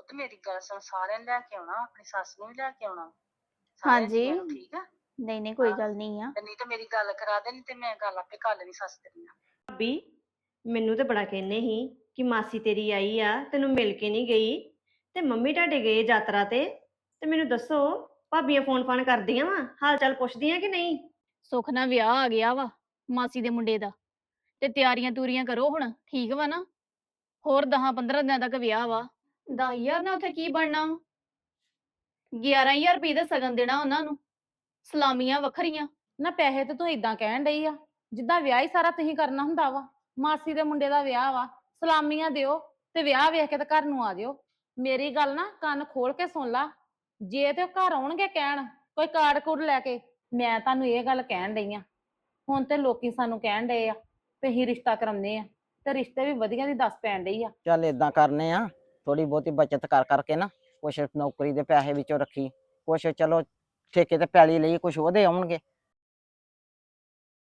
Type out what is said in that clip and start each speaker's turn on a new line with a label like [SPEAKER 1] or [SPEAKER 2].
[SPEAKER 1] ਪੁੱਤ ਮੇਰੀ ਗੱਲ ਸੁਣ, ਸਾਰਿਆਂ ਨੂੰ ਲੈ ਕੇ ਆਉਣਾ, ਆਪਣੀ ਸੱਸ ਨੂੰ ਵੀ ਲੈ ਕੇ ਆਉਣਾ, ਸਾਰਿਆਂ
[SPEAKER 2] ਹਾਂਜੀ
[SPEAKER 1] ਜੀਆਂ ਨੂੰ, ਠੀਕ ਆ?
[SPEAKER 2] ਨਹੀਂ ਨਹੀਂ ਕੋਈ
[SPEAKER 1] ਆਹ
[SPEAKER 2] ਗੱਲ ਨਹੀਂ ਆ।
[SPEAKER 1] ਤੇ ਨਹੀਂ ਤੇ ਮੇਰੀ ਗੱਲ ਕਰਾ ਦੇ, ਨਹੀਂ ਤੇ ਮੈਂ ਗੱਲ ਆਪੇ ਕਰ ਲੈਣੀ ਸੱਸ ਤੇਰੀ ਨਾਲ।
[SPEAKER 3] ਭਾਬੀ ਮੈਨੂੰ ਤੇ ਬੜਾ ਕਹਿੰਦੇ ਸੀ ਕਿ ਮਾਸੀ ਤੇਰੀ ਆਈ ਆ, ਤੈਨੂੰ ਮਿਲ ਕੇ ਨਹੀਂ ਗਈ ਤੇ ਮੰਮੀ ਤੁਹਾਡੇ ਗਏ ਯਾਤਰਾ ਤੇ ਮੈਨੂੰ ਦੱਸੋ, ਭਾਬੀਆਂ ਫੋਨ ਫਾਨ ਕਰਦੀਆਂ ਵਾ, ਹਾਲ ਚਾਲ ਪੁੱਛਦੀਆਂ ਕਿ ਨਹੀਂ?
[SPEAKER 2] ਸੁੱਖ ਨਾਲ ਵਿਆਹ ਆ ਗਿਆ ਵਾ ਮਾਸੀ ਦੇ ਮੁੰਡੇ ਦਾ, ਤੇ ਤਿਆਰੀਆਂ ਤੂਰੀਆਂ ਕਰੋ ਹੁਣ, ਠੀਕ ਵਾ ਨਾ? ਹੋਰ 10-15 ਦਿਨਾਂ ਤੱਕ ਵਿਆਹ ਵਾ। 10,000 ਨਾਲ ਉੱਥੇ ਕੀ ਬਣਨਾ? 11,000 ਰੁਪਏ ਦਾ ਸਗਨ ਦੇਣਾ ਉਹਨਾਂ ਨੂੰ, ਸਲਾਮੀਆਂ ਵੱਖਰੀਆਂ।
[SPEAKER 4] ਨਾ ਪੈਸੇ ਤੇ ਤੂੰ ਇਦਾਂ ਕਹਿਣ ਡਈ ਆ ਜਿੱਦਾਂ ਵਿਆਹ ਹੀ ਸਾਰਾ ਤੁਸੀਂ ਕਰਨਾ ਹੁੰਦਾ ਵਾ। ਮਾਸੀ ਦੇ ਮੁੰਡੇ ਦਾ ਵਿਆਹ ਵਾ, ਸਲਾਮੀਆਂ ਦਿਓ ਤੇ ਵਿਆਹ ਵੇਖ ਕੇ ਤੇ ਘਰ ਨੂੰ ਆ ਜਿਓ। ਮੇਰੀ ਗੱਲ ਨਾ ਕੰਨ ਖੋਲ ਕੇ ਸੁਣ ਲਾ, ਜੇ ਤੇ ਉਹ ਘਰ ਆਉਣਗੇ ਕਹਿਣ ਕੋਈ ਕਾਰਡ ਕੂਡ ਲੈ ਕੇ, ਮੈਂ ਤੁਹਾਨੂੰ ਇਹ ਗੱਲ ਕਹਿਣ ਡਈ ਆ। ਹੁਣ ਤੇ ਲੋਕੀ ਸਾਨੂੰ ਕਹਿਣ ਡਏ ਆ ਵੀ ਅਸੀਂ ਰਿਸ਼ਤਾ ਕਰਾਉਂਦੇ ਆ, ਤੇ ਰਿਸ਼ਤੇ ਵੀ ਵਧੀਆ ਦੀ ਦੱਸ ਪੈਣ ਡਈ ਆ।
[SPEAKER 5] ਚੱਲ ਏਦਾਂ ਕਰਨੇ ਆ, ਥੋੜੀ ਬਹੁਤੀ ਬੱਚਤ ਕਰ ਕਰਕੇ ਨਾ, ਕੁਛ ਨੌਕਰੀ ਦੇ ਪੈਸੇ ਵਿੱਚੋਂ ਰੱਖੀ, ਕੁਛ ਚਲੋ ਠੇਕੇ ਤੇ ਪੈਲੀ ਲਈ, ਕੁਛ ਉਹਦੇ ਆਉਣਗੇ,